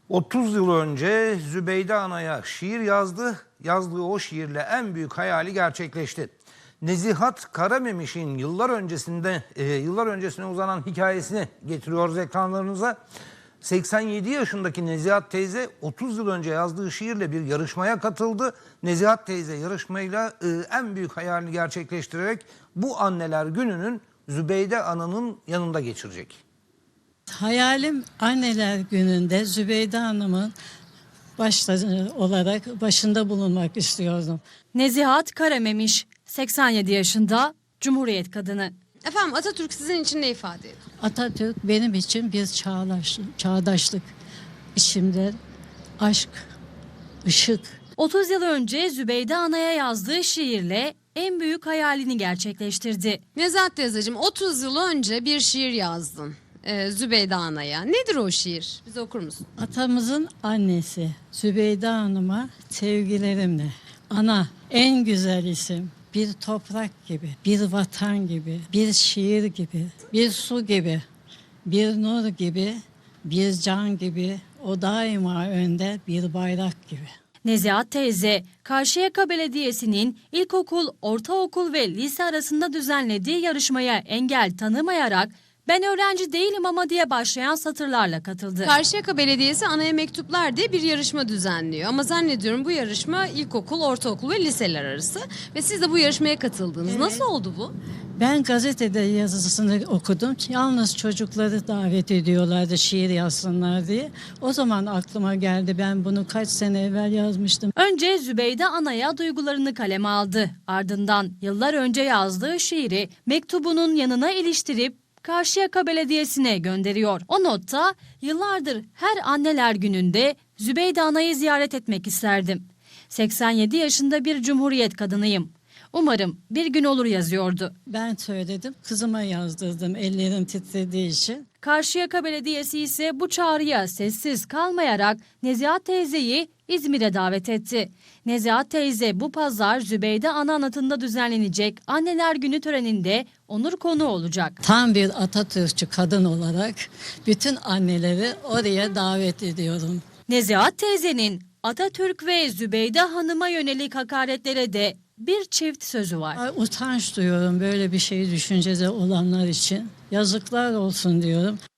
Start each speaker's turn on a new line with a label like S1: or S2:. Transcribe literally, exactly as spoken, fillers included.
S1: otuz yıl önce Zübeyde Ana'ya şiir yazdı. Yazdığı o şiirle en büyük hayali gerçekleşti. Nezihat Karamemiş'in yıllar öncesinde e, yıllar öncesine uzanan hikayesini getiriyoruz ekranlarınıza. seksen yedi yaşındaki Nezihat teyze otuz yıl önce yazdığı şiirle bir yarışmaya katıldı. Nezihat teyze yarışmayla e, en büyük hayalini gerçekleştirerek bu anneler gününün Zübeyde Ana'nın yanında geçirecek.
S2: Hayalim anneler gününde Zübeyde Hanım'ın başta olarak başında bulunmak istiyordum.
S3: Nezihat Karamemiş, seksen yedi yaşında, Cumhuriyet kadını.
S4: Efendim Atatürk sizin için ne ifade ediyor?
S2: Atatürk benim için bir çağdaş, çağdaşlık, içimde aşk, ışık.
S3: otuz yıl önce Zübeyde Ana'ya yazdığı şiirle en büyük hayalini gerçekleştirdi.
S4: Nezahat teyzeciğim otuz yıl önce bir şiir yazdın e, Zübeyde Ana'ya. Nedir o şiir? Bize okur musun?
S2: Atamızın annesi Zübeyde Hanım'a sevgilerimle. Ana en güzel isim. Bir toprak gibi, bir vatan gibi, bir şiir gibi, bir su gibi, bir nur gibi, bir can gibi, o daima önde bir bayrak gibi.
S3: Nezihat teyze, Karşıyaka Belediyesi'nin ilkokul, ortaokul ve lise arasında düzenlediği yarışmaya engel tanımayarak "Ben öğrenci değilim ama" diye başlayan satırlarla katıldı.
S4: Karşıyaka Belediyesi Anaya Mektuplar diye bir yarışma düzenliyor. Ama zannediyorum bu yarışma ilkokul, ortaokul ve liseler arası. Ve siz de bu yarışmaya katıldınız.
S2: Evet.
S4: Nasıl oldu bu?
S2: Ben gazetede yazısını okudum. Yalnız çocukları davet ediyorlardı şiir yazsınlar diye. O zaman aklıma geldi, ben bunu kaç sene evvel yazmıştım.
S3: Önce Zübeyde Ana'ya duygularını kaleme aldı. Ardından yıllar önce yazdığı şiiri mektubunun yanına iliştirip Karşıyaka Belediyesi'ne gönderiyor. O notta "Yıllardır her anneler gününde Zübeyde Ana'yı ziyaret etmek isterdim. seksen yedi yaşında bir Cumhuriyet kadınıyım. Umarım bir gün olur" yazıyordu.
S2: Ben söyledim, kızıma yazdırdım ellerim titrediği için.
S3: Karşıyaka Belediyesi ise bu çağrıya sessiz kalmayarak Nezihat teyzeyi İzmir'e davet etti. Nezihat teyze bu pazar Zübeyde Ana anıtında düzenlenecek Anneler Günü töreninde onur konuğu olacak.
S2: Tam bir Atatürkçü kadın olarak bütün anneleri oraya davet ediyorum.
S3: Nezihat teyzenin Atatürk ve Zübeyde Hanım'a yönelik hakaretlere de bir çift sözü var.
S2: Ay, utanç duyuyorum böyle bir şey düşüncede olanlar için. Yazıklar olsun diyorum.